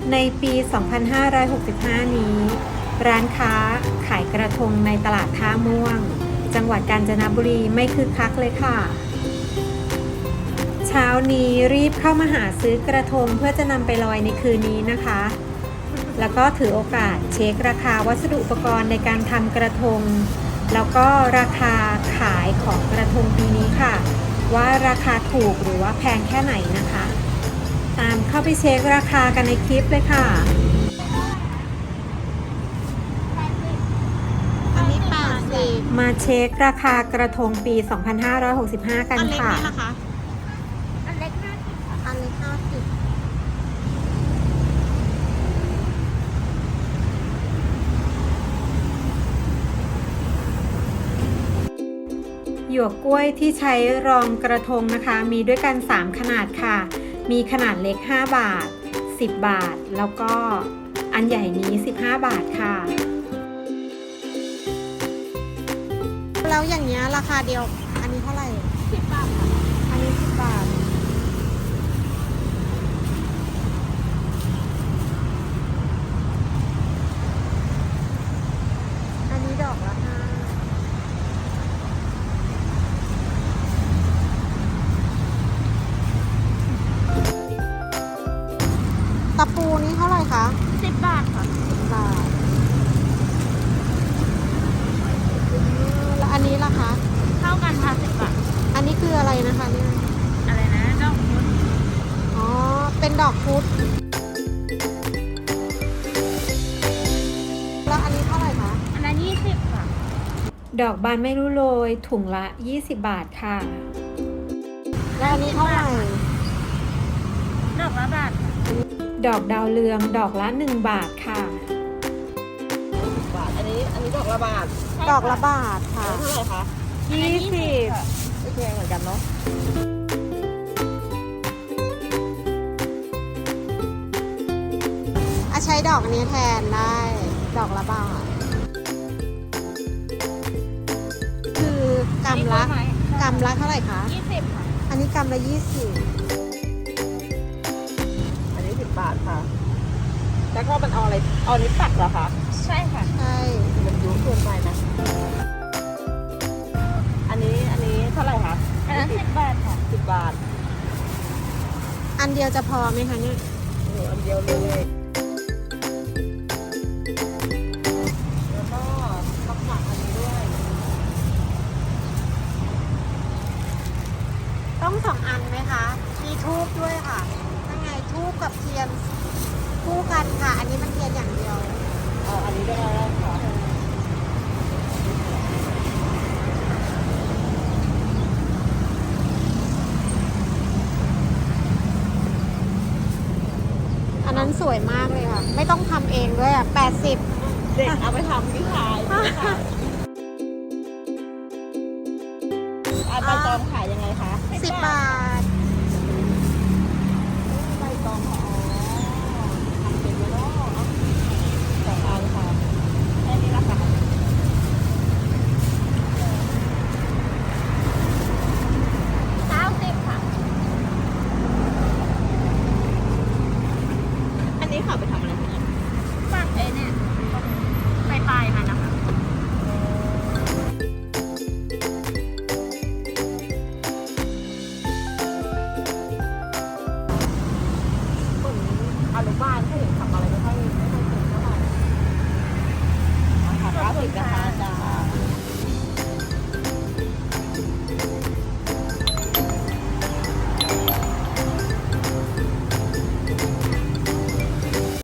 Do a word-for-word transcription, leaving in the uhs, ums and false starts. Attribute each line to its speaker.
Speaker 1: ในปี สองพันห้าร้อยหกสิบห้า นี้ ร้านค้าขายกระทงในตลาดท่าม่วง จังหวัดกาญจนบุรีไม่คึกคักเลยค่ะ เช้านี้รีบเข้ามาหาซื้อกระทงเพื่อจะนำไปลอยในคืนนี้นะคะ แล้วก็ถือโอกาสเช็คราคาวัสดุอุปกรณ์ในการทำกระทง แล้วก็ราคาขายของกระทงปีนี้ค่ะ ว่าราคาถูกหรือว่าแพงแค่ไหนนะคะ ตามเข้าไปเช็คราคากันในคลิปเลยค่ะ
Speaker 2: อันนี้แปดสิบ
Speaker 1: มาเช็คราคากระทงปี สองพันห้าร้อยหกสิบห้า กัน
Speaker 2: อันเล็ก
Speaker 1: ค่ะ
Speaker 2: นี่ล่ะคะอันเล็กห้าสิบอันเล็กห้าสิบ
Speaker 1: หยวกกล้วยที่ใช้รองกระทงนะคะ มีด้วยกัน สาม ขนาดค่ะ มีขนาดเล็ก ห้า บาท สิบ บาท แล้วก็อันใหญ่นี้ สิบห้า บาทค่ะ
Speaker 2: แล้วอย่างเงี้ยราคาเดียว อันนี้เท่าไหร่สิบบาทค่ะอันนี้สิบบาท อันนี้ดอกละห้าตะปูนี้เท่าไหร่คะสิบบาทค่ะสิบบาทอืมแล้วอันนี้ล่ะคะ
Speaker 3: เท่ากันค่ะสิบบาท
Speaker 2: อันนี้คืออะไรนะคะเนี่ย
Speaker 3: อะไรนะดอกพุธ
Speaker 2: อ๋อ เป็นดอกพุธแล้วอันนี้เท่าไหร่คะ
Speaker 3: อันนั้นยี่สิบค่ะ
Speaker 1: ดอกบานไม่รู้โรยถุงละ ยี่สิบ บาทค่ะ
Speaker 2: แล้วอันนี้เท่าไหร่
Speaker 3: ดอกละบาท
Speaker 1: ดอกดาวเรืองดอกละ หนึ่ง บาทค่ะ
Speaker 4: บาทอันนี้อันนี้ดอกละบาท
Speaker 2: ดอกละบาทค่ะ
Speaker 4: เท่าไหร่คะ
Speaker 3: ยี่สิบ
Speaker 4: ไม่แพงเหมือนกันเนาะ
Speaker 2: อาใช้ดอกนี้แทนได้ ดอกละบาท คือกำละกำละเท่าไหร่คะ
Speaker 3: ยี่สิบค่ะ
Speaker 2: อันนี้กำละยี่สิบ
Speaker 4: อันนี้สิบบาทค่ะ แล้วก็มันเอาอะไรเอาอันนี้ปักเหรอคะ
Speaker 3: ใช่ค่ะ
Speaker 2: ใช่
Speaker 4: มันยุ่งเกินไปนะ อันนี้อันนี้เท่าไหร่คะ
Speaker 3: อันนั้นสิบบาทค่ะ
Speaker 4: สิบบาท
Speaker 2: อันเดียวจะพอไหมคะเนี่ย
Speaker 4: โอ้อันเดียวเลย แล้วก็ปักปักอันนี้ด้วย
Speaker 2: ต้องสองอันไหมคะ มีทูบด้วยค่ะยังไงทูบกับเทียนคู่กันค่ะ อันนี้มันเทียนอย่างเดียว
Speaker 4: เอาอันนี้ด้วยแล้วค่ะ
Speaker 2: อันนั้นสวยมากเลยค่ะ ไม่ต้องทำเองด้วยอ่ะแปดสิบ
Speaker 4: เด็กเอาไปทำที่ขายอันใบตองขายยังไงคะ
Speaker 2: สิบบาท
Speaker 4: ใบตองอ๋อทำเป็นแล้วเนาะสองอันค่ะแค่นี้ละค่ะ
Speaker 3: เก้าสิบค่ะ
Speaker 4: อันนี้ค่ะไปทำอะไรคะเนี่ย
Speaker 3: ปักเอ้เนี่ยปลายปลายๆมันนะคะ
Speaker 4: เหมือนอนุบาลถ้าเห็นทำอะไรไม่ค่อยไม่ค่อยเก่งเท่าไหร่ค่ะเก้าสิบนะคะอาจารย์